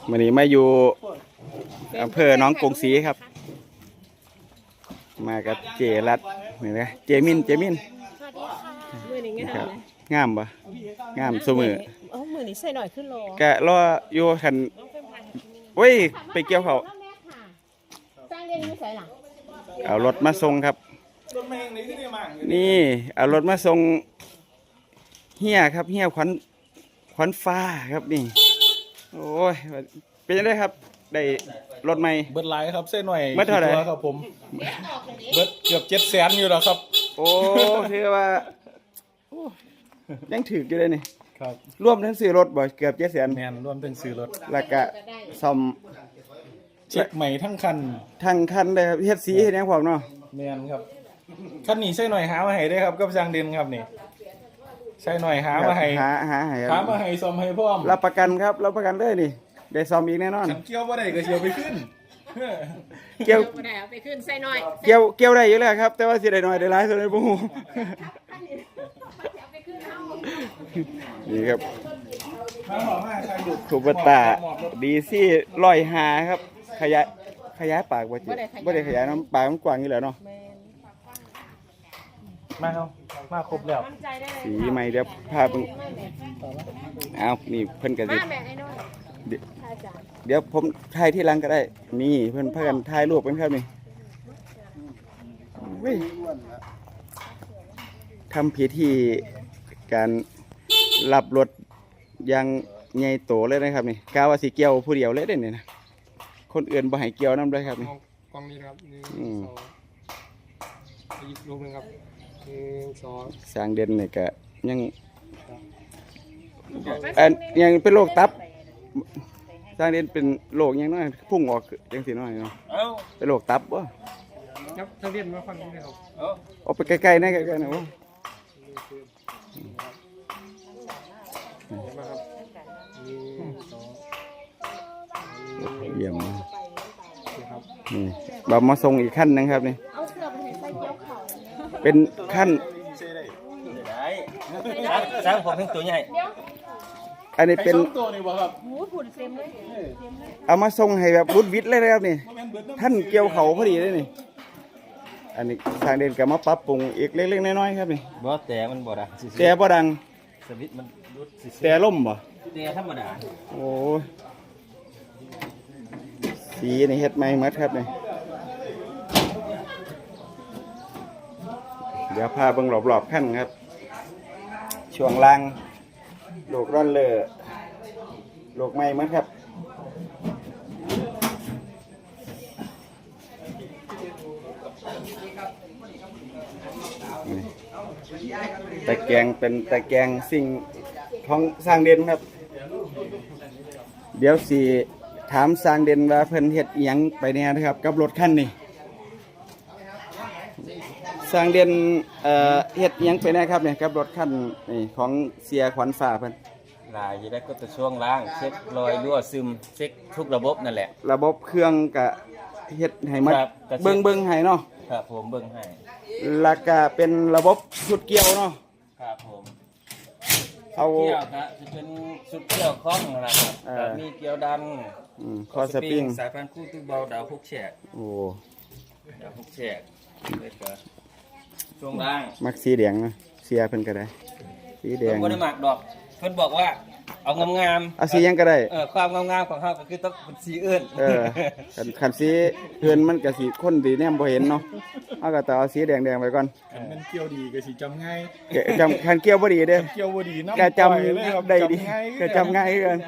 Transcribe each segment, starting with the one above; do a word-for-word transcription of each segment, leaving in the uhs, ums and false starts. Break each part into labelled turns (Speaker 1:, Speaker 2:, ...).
Speaker 1: วันนี้มาอยู่อำเภอหนองกรุงศรีครับมากับเจรัตนี่นะเจมินเจมิน
Speaker 2: มือนี้งามเลย
Speaker 1: งามปะงามสมือ
Speaker 2: เออมือนี้ใส่หน่อยขึ้นโล
Speaker 1: แกรออยู่ขันโอ้ยไปเกี่ยวเขา
Speaker 2: สร้างเรียนไม่ใส่หลัง
Speaker 1: เอารถมาส่งครับนี่เอารถมาส่งเฮียครับเฮียขวัญขวัญฟ้าครับนี่โอ้ยเป็นยังไงครับได้รถใหม่
Speaker 3: เบิดไลน์ครับเส้นหน่อย
Speaker 1: เบิดเท่าไหร่
Speaker 3: ครับผมเบิดเกือบเจ็ดแสนอยู่แล้วครับ
Speaker 1: โอ้ถือว่ายังถืออยู่เลยนี่
Speaker 3: ครับ
Speaker 1: ร่วมทั้งซื้อรถบ่เกือบเจ็ดแสน
Speaker 3: แมนร่วมทั้งซื้อรถ
Speaker 1: แล้วก็ซ่อม
Speaker 3: เช็คใหม่ทั้งคัน
Speaker 1: ทั้งคันเลยครับเฮ็ดสีเฮ็ดหยังพร้อมเนาะ
Speaker 3: แมนครับคันนี้ใช่หน่อยหามาให้ได้ครับกับจางเด่นครับนี่ใช่หน่อยหามาให้
Speaker 1: หาหาให้
Speaker 3: หามาให้ซ่อมให้พร้อม
Speaker 1: รับประกันครับรับประกันเลยนี่ได้ซ่อมอีกแน่นอน
Speaker 3: เกี่ยวบ่ได้ก็เชียวไปขึ้น
Speaker 1: เกี่ยว
Speaker 2: บ่ได้เอาไปขึ้นใส่หน่อย
Speaker 1: เกี่ยวเกี่ยวได้อยู่แล้วครับแต่ว่าสิได้น้อยได้หลายส่วนได้บ่ฮู้นี่ครับคูเปอร์ต้าดีซี่ร้อยห้าครับขยายขยายปากบ่จิบ่ได้ขยายน้ำปากมันกว้างอยู่แล้วเนาะ
Speaker 3: มาเอามาครบแล้ว
Speaker 1: สีใหม่เดี๋ยวพาเพิ่งเอานี่เพิ่นก็สิเดี๋ยวผมถ่ายที่หลังก็ได้นี่เพิ่นพากันถ่ายรูปกันครับนี่เว้ยทำพิธีการรับรถยังใหญ่โตเลยนะครับนี่กาว่าสิเกี่ยวผู้เดียวเลยเด้นี่นะคนอื่นบ่ให้เกี่ยวน้ำเลยครับนี่
Speaker 4: กล้องนี้ครับหนึ่งสองอีกรูปนึงครับหนึ่งสอง
Speaker 1: สร้างเด่นนี่ก็ยังอันยังเป็นโรคตับสร้างเด่นเป็นโรคยังน้อยพุ่งออกยังสิน้อยเนาะเป็นโรคตับบ่
Speaker 4: ครับถ้าเรียนมาฟังนี้นะครับ
Speaker 1: ออกไปใกล้ๆนะใกล้ๆนะโอ้เยี่ยมนี่เรามาส่งอีกขั้นนึงครับนี่เป็นขั้น
Speaker 5: สร้างผมเป็นตัวใหญ่
Speaker 1: อันนี้เป็นเอามาส่งให้แบบวุฒิวิทย์เลยนะครับนี่ท่านเกี่ยวเขาพอดีเลยนี่อันนี้ทางเดินกับมาปรับปรุงอีกเล็กๆน้อยๆครับนี่
Speaker 5: บ่แต่มันบ่ดัง
Speaker 1: แต่บ่ดัง
Speaker 5: สวิตมันรุด
Speaker 1: แต่ล่มบ่
Speaker 5: แต่ธรรมดา
Speaker 1: โอ้สีนี่เฮ็ดใหม่หมดครับนี่เดี๋ยวพาเบิ่งรอบๆขั้นครับช่วงล่างโลกร้อนเลอโลกใหม่หมดครับตะแกรงเป็นตะแกรงสิ่งของสร้างเด่นครับเดี๋ยวสิถามสร้างเด่นว่าเพิ่นเฮ็ดอิหยังไปแน่นะครับกับรถคันนี้สร้างเด่นเอ่อเฮ็ดอิหยังไปแน่ครับเนี่ยกับรถคันนี่ของเสียขวัญฟ้าเพิ่น
Speaker 5: หลายอยู่ได้ก็จะช่วงล่างเช็ครอยรั่วซึมเช็คทุกระบบนั่นแหละ
Speaker 1: ระบบเครื่องก็เฮ็ดให้มันเบิ่งๆให้เนาะ
Speaker 5: ครับผมเบิ่งให้
Speaker 1: แล้วก็เป็นระบบชุดเกี่ยวเนาะ
Speaker 5: ครับผม
Speaker 1: เอา
Speaker 5: เกี่ยวครับจะเป็นชุดเกี่ยวคล้องนะครับมีเกี่ยวดัน
Speaker 1: คอสปริง
Speaker 5: สายพันธุ์คู่ตู้เบาดาวพุกแฉก
Speaker 1: โอ้
Speaker 5: ดาวพุกแฉกเลยก็ช่วงล่าง
Speaker 1: มักสีแดงนะเสียเพิ่นก็ได้สีแดง
Speaker 5: เพิ่นบ่ได้มักดอกเพิ่นบอกว่าเอางาม
Speaker 1: ๆเอาสียังก็ได้
Speaker 5: เออความงามๆของเฮาก็คือต้องเป็นสีอื่น
Speaker 1: เออคันคันสีเพิ่นมันก็สิคนดีแนมบ่เห็นเนาะเฮาก็ต้องเอาสีแดงๆไว้ก่อน
Speaker 3: คันมันเกี่ยวดีก็สิจำง่าย
Speaker 1: จำคันเกี่ยวบ่ดีเด้อ
Speaker 3: เกี่ยวบ่ดีนำ
Speaker 1: ก็จำได้ดีก็จำง่ายคือกัน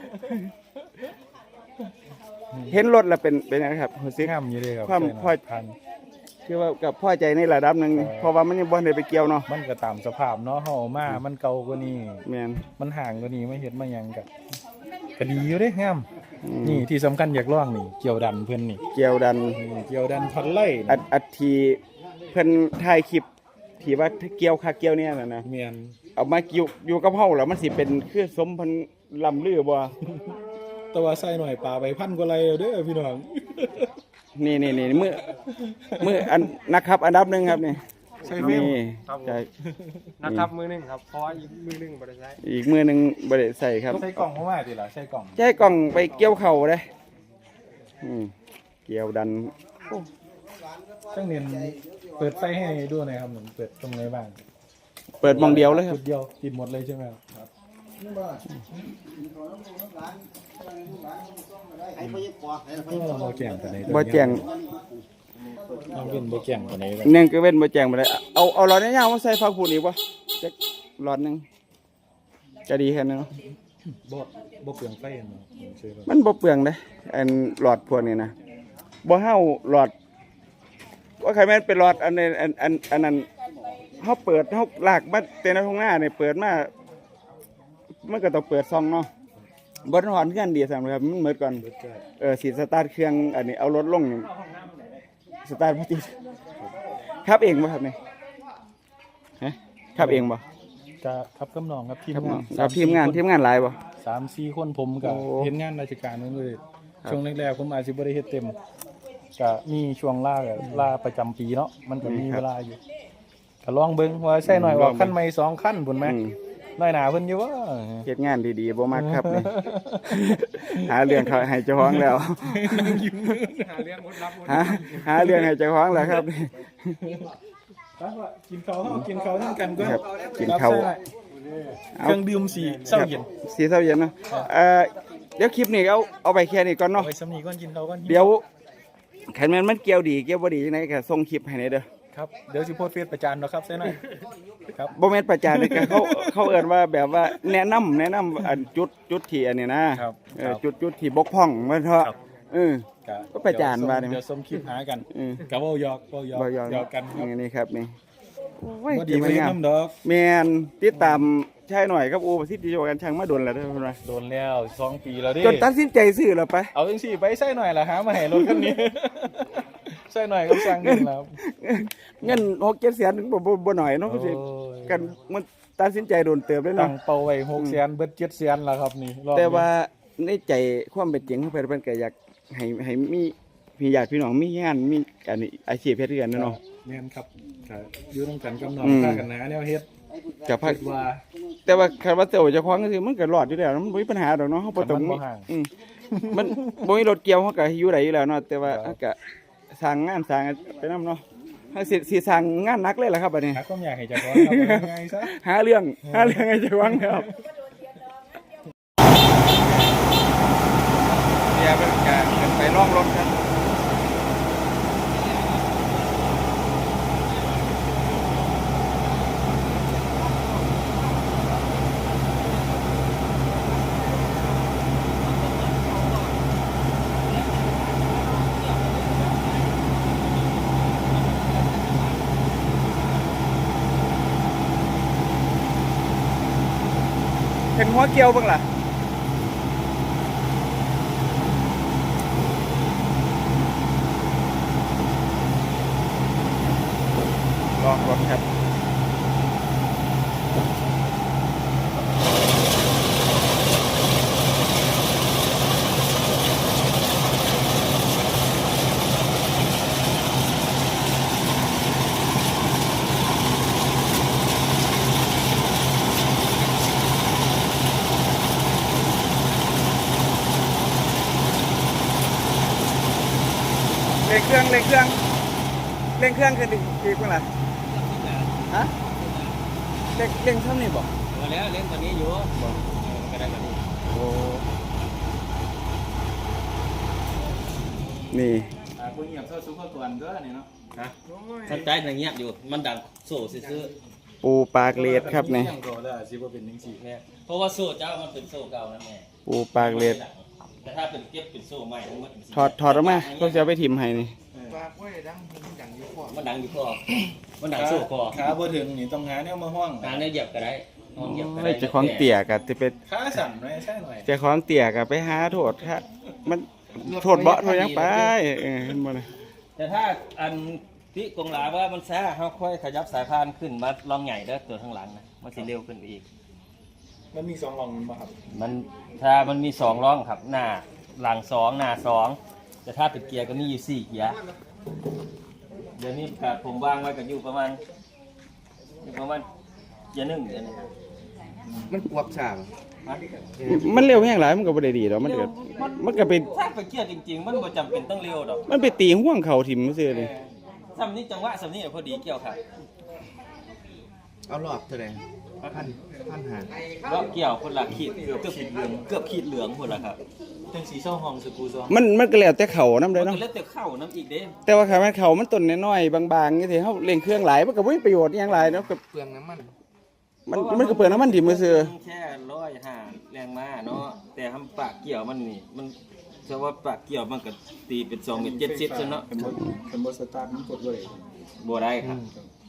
Speaker 1: เห็นรถแล้วเป็นเป็นไงครับรู้สึก
Speaker 3: งามอยู่เด้ครับ
Speaker 1: ความพอทันคือว่ากับพอใจในระดับนึงเพราะว่ามันยังบ่ได้ไปเกี่ยวเนาะ
Speaker 3: มันก็ตามสภาพเนาะเฮามามันเก่ากว่านี้
Speaker 1: แม่น
Speaker 3: มันห่างกว่านี้มาเฮ็ดมาหยังก็ก็ดีอยู่เด้งามนี่ที่สำคัญอยากลองนี่เกี่ยวดันเพิ่นนี่
Speaker 1: เกี่ยวดัน
Speaker 3: เกี่ยวดันพันไล่
Speaker 1: อัดอัดทีเพิ่นถ่ายคลิปที่ว่าเกี่ยวคักเกี่ยวเนี่ยน่ะนะ
Speaker 3: แม่น
Speaker 1: เอามาอยู่อยู่กับเฮาแล้วมันสิเป็นคือสมพันลำลือบ่
Speaker 3: แต่ว่าใส่หน่อยปลาไปพันกว่าไรเด้อพี่น้อง
Speaker 1: นี่นี่นี่มือมืออันนะครับอันดับหนึ่งครับนี่
Speaker 3: ใส่เฟิล์ม
Speaker 1: นี่
Speaker 4: ครับผม
Speaker 1: ใช่
Speaker 4: นะครับมือหนึงครับเพราะว่าอีกมือหนึงบ่ได้ใช้
Speaker 1: อีกมือหนึงบ่ได้ใส่ครับ
Speaker 3: ใส่กล่องเข้ามาดิล่ะใส่กล่อง
Speaker 1: ใช้กล่องไปเกี่ยวเข่าเลยอืมเกี่ยวดัน
Speaker 3: ช่างเนียนเปิดไฟให้ดูหน่อยครับหนึ่งเปิดตรงไหนบ้าง
Speaker 1: เปิดมองเดียวเลยครั
Speaker 3: จุ
Speaker 1: บ
Speaker 3: ดเดียวติดหมดเลยใช่ไหมครับก็บ่แก่งกันไหน
Speaker 1: บ่แจ้ง
Speaker 3: ต้องเป็นบ่แก่งกันไหนเลย
Speaker 1: หนึ่งก็เว้นบ่แจ้งบ่ได้เอาเอาหลอดยาวๆมาใส่ฟังพูดอีกบ่จักหลอดหนึงจะดีแค่นั้นเนาะ
Speaker 3: บ่บ่เปลืองไฟเนาะใช่ป่ะ
Speaker 1: มันบ่เปลืองเด้อันหลอดพวกนี้นะบ่เฮาหลอดว่าใครแม่นเป็นหลอดอันนี้อันอันอันนั้นเฮาเปิดเฮาลากมาแต่ในทุ่งนาเนี่ยเปิดมามันก็ต้องเปิดซองเนาะบ่ถอนเงินดีซั่นครับมันหมดก่อน
Speaker 3: เบิดก็
Speaker 1: เออสิสตาร์ทเครื่องอันนี้เอารถลงนี่สตาร์ทบ่ติดครับเองบ่ครับนี่ฮะครับเองบ่
Speaker 3: จะครับกำนองครับทีม
Speaker 1: ครับ
Speaker 3: งาน
Speaker 1: ครับทีมงานทีมงานหลายบ่
Speaker 3: สามสี่คนผมกับ
Speaker 1: โอ้
Speaker 3: เห็นงานราชการนั่นเลย
Speaker 1: ครับ
Speaker 3: ช่วงแรกๆผมอาจจะบ่ได้เฮ็ดเต็มก็มีช่วงล่ากับล่าประจำปีเนาะมันก็มีเวลาอยู่ก็ลองเบิ่งว่าใช่หน่อยว่าขั้นใหม่สองขั้นพุ่นไหม
Speaker 1: อืม
Speaker 3: น้อยหนาเพิ่นอยู่ว่า
Speaker 1: เฮ็ดงานดีๆบ่มักครับนี่ หาเรื่องเขาให้เจ้าของแล้ว
Speaker 4: หาเรื่องมดรับมด
Speaker 1: หาหาเรื่องให้เจ้าของแล้วครับนี่
Speaker 3: ครับว่ากินข้าวเฮากินข้าวทั้งกันก็
Speaker 1: ครับกินข้าว
Speaker 3: ครับใช่เครื่องดื่มสีเศร้าเย็น
Speaker 1: สีเศร้าเย็นเนาะเอ่อเดี๋ยวคลิปนี้เอาเอาไปแค่นี้ก่อน
Speaker 3: เอา
Speaker 1: เนาะ
Speaker 3: ไว้สำนีก่อนกินข้าวก่อน
Speaker 1: เดี๋ยวคันแม่นมันเกี่ยวดีเกี่ยวบ่ดีจังไดก็ส่งคลิปให้หน่อยเด้อ
Speaker 3: ครับเดี๋ยวสิโพสต์เฟซประจานเนาะครับใช่หน่อยครับ
Speaker 1: บ่แม่นประจานนี่ก็เขาเขาเอิ้นว่าแบบว่าแนะนำแนะนำอันจุดจุดที่อันนี้นะครับ เออจุดจุดที่บกพร่องว่าเถอะ
Speaker 3: ครับ
Speaker 1: เออ ก็ประจานว่าได้ไหม
Speaker 3: เดี๋ยวส่งคลิปหากัน
Speaker 1: เออ
Speaker 3: กับว่าหยอกเว้าหยอก
Speaker 1: บ่ยอม
Speaker 3: หยอกกันครับ
Speaker 1: นี่นี่ครับนี่โอ้ย
Speaker 3: บ่ดี
Speaker 1: ดี
Speaker 3: ไป
Speaker 1: งาม
Speaker 3: น้ำดอก
Speaker 1: แม่นติดตามชายหน่อยครับโอ้ประสิทธิโยกันช่างมาโดนแล้วเด้อเพิ่นว่า
Speaker 3: โดนแล้วสองปีแล้วดิ
Speaker 1: จนตัดสินใจซื้อแล้วไป
Speaker 3: เอาจังสี่ไปใส่หน่อยละหามาให้รถคันนี้ ใส่หน่อยก็สั่งเงินแล้ว
Speaker 1: เงินหกเจ็ดแสนถึงบ่บ่บ่หน่อยเนาะก็สิ
Speaker 3: โอ้ย
Speaker 1: กันมันตัดสินใจโดนเติบเลย
Speaker 3: ตั้
Speaker 1: เนาะ
Speaker 3: งเป้าไว้หกแสนเบิดเจ็ดแสนแล้วครับนี่รอบนี้
Speaker 1: แต่ว่าในใจความเป็นจริงของเพิ่นเพิ่นก็อยากให้ให้มีพี่ญาติพี่น้องมีงานมีอันนี้อาชีพเฮ็ดคือกันเนาะ
Speaker 3: แม่นครับก็อยู่ต้องกันกำนอง
Speaker 1: อืม
Speaker 3: ค่ากันหนาแนวเฮ็ด
Speaker 1: กับพัก
Speaker 3: คิดว่า
Speaker 1: แต่ว่าคันว่าเจ้าเจ้าของก็คือมันก็รอดอยู่แล้วมันบ่มีปัญหาดอกเนาะเฮาบ่ต้อง
Speaker 3: มันบ่ห่าง
Speaker 1: อืมมันบ่มีรถเกี่ยวเฮาก็อยู่ได้อยู่แล้วเนาะแต่ว่า
Speaker 3: ครับ
Speaker 1: เฮาก็สร้างงานสร้างไปนำเนาะเฮาสิสิสร้างงานหนักเลยล่ะครับบัดนี้
Speaker 3: หาความอยากให้เจ้าของครับเอาง่ายๆซะ
Speaker 1: หาเรื่องหาเรื่องให้เจ้าของครับเดี๋ยวเป็นการขึ้นไปล่องรถครับเห็นหัวเกี่ยวบ้างล่ะลองรถครับเร่งเครื่องเร่งเครื่องเร่งเครื่องคือดีดีบ้างล่ะฮะเร่งเร่งเท่านี้บ่
Speaker 5: มาแล้วเล่นตัวนี้อยู่บ่ก็ได้ก็ดี
Speaker 1: โอ้นี่
Speaker 3: อ่าผู้เงียบเท่าซุปเปอร์กวนก็นี่เนาะ
Speaker 5: ฮะท่านใจมันเงียบอยู่มันดังโซ่ซื่อ
Speaker 1: ปูปากเลดครับนี่
Speaker 3: เงียบก็ได้สิบ่เป็นจังซี่
Speaker 5: ๆแม่เพราะว่าโซ่เจ้ามันเป็นโซ่เก่านะแม่
Speaker 1: ปูปากเลด
Speaker 5: แต่ถ้าเป็นเก็บเป็นโซ่ใหม่ทั้งหมดเป็นสี
Speaker 1: ถอดถอดออกมาก็จะเอาไปถิ่มให้นี่
Speaker 5: มันดังอยู่คอมันดังโซ่คอ
Speaker 3: ขาบ่ถึงนี่ต้องหาแนวมาห้อง
Speaker 5: หาเนื้อเหยียบก็ได้ห้องเหยียบก็ได้
Speaker 1: เจ้าของเตี่ยกับจะเป็น
Speaker 3: ขาสั่นหน่อยใช่หน่อย
Speaker 1: เจ้าของเตี่ยกับไปหาโทษครับมันโทษเบาะโทษหยังไปเออเห็นบ่เลย
Speaker 5: แต่ถ้าอันที่กงหลาว่ามันซ่าเฮาค่อยขยับสายพานขึ้นมาลองใหญ่เด้อตัวข้างหลังนะมันสิเร็วขึ้นไปอีก
Speaker 3: มันมีสองหลองมันบ่ครับ
Speaker 5: มันถ้ามันมีสองร่องครับหน้าหลังสองหน้าสองแต่ถ้าเป็นเกียร์ก็มีอยู่สี่เกียร์เดี๋ยวนี้ครับผมวางไว้ก็อยู่ประมาณประมาณอย่าหนึ่งเดือนนะ
Speaker 6: มันกวบฉาบ
Speaker 1: มันเร็วแห้งหลายมันก็บ่ได้ดีดอกมันก็มันก็ไป
Speaker 5: ถ้าไปเกี่ยวจริงๆ มันบ่จำเป็นต้องเร็วดอก
Speaker 1: มันไปตีห่วงเขาถิ่มซื่อเลย
Speaker 5: สำนี้จังหวะสำนี้พอดีเกี่ยวครับ
Speaker 6: เอารอบเท่าไหร่พันพันหา
Speaker 5: รอบเกี่ยวคนละขีดเกือบขีดเหลืองเกือบขีดเหลืองคนละครับเป็นสีเศร้าห้องสกูซอง
Speaker 1: มันมันก็แล้วแต่เขานำ
Speaker 5: มั
Speaker 1: เด้
Speaker 5: น
Speaker 1: อเนาะ
Speaker 5: ก็เล็ดแต่เข้าน้ำอีกเด้
Speaker 1: แต่ว่าคันมันเขามันต้นน้อยๆบางๆจังซี่เฮาเร่งเครื่องหลายมันก็บ่มีประโยชน์อิหยังหลายเนาะก็
Speaker 6: เปลืองน้ำมัน
Speaker 1: มันมันก็เปลืองน้ำมันถิ่มซื่อ
Speaker 5: แค่ร้อยห้าแรงม้าเนาะแต่ทำปากเกี่ยวมันนี่มันจะว่าปากเกี่ยวมันก็ตีเป็นสองเป็นเจ็ดสิบซะเนาะ
Speaker 4: เป็นบทสตาร์ทมันกดเลย
Speaker 5: บ่ได้ครับ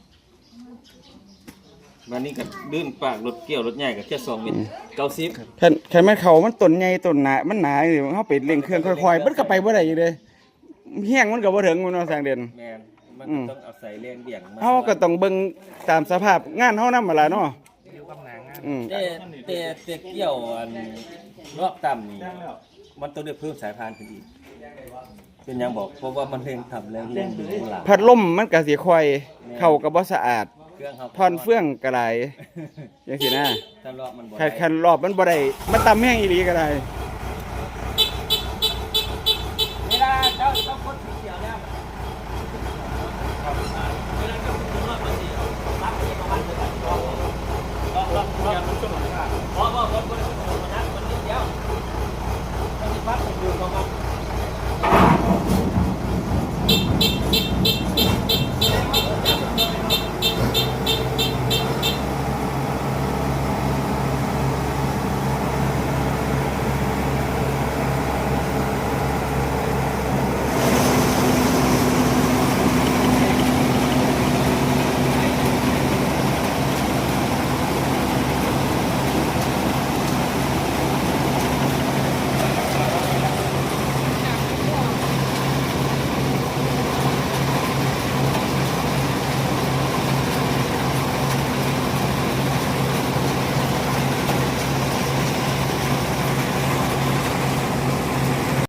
Speaker 5: วันนี้ก็ดื้นปากรถเกี่ยวรถใหญ่ก็แค่สองเมตรเก้าสิบ
Speaker 1: คันคันมันเขามันต้นใหญ่ต้นหนามันหนาอยู่เฮาไปเร่งเครื่องค่อยๆมันก็ไปบ่ได้อยู่เด้แห้งมันก็บ่ถึงมันเนาะทางเด่น
Speaker 5: แมนมัน
Speaker 1: อื
Speaker 5: ก็
Speaker 1: ม
Speaker 5: ต้องเอาใส่แรงเบี่ยงมา
Speaker 1: เฮาก็ต้องเบิ่งตามสภาพงานเฮานำหั่นล่ะเนาะ
Speaker 6: อยู่กับหนางาน
Speaker 1: อืม
Speaker 5: แต่แต่แต่เกี่ยวอันรอบต่ำนี่มันต้องได้เพิ่มสายพานขึ้นอีกเป็นหยังบอกเพราะว่ามันเร่งทำแรงเร่งดึงหลัง
Speaker 1: พัดลมมันก็สิค่อยเข้าก็บ่สะอาด
Speaker 5: เครื่องเขา
Speaker 1: ทอนเฟื่องก็ได้จังซี่นะ
Speaker 5: ถ้ารอบมันบ่
Speaker 1: คัน
Speaker 5: ได้
Speaker 1: คันรอบมันบ่ได้มันต่ำแห้งอีหลีก็ได้
Speaker 5: แ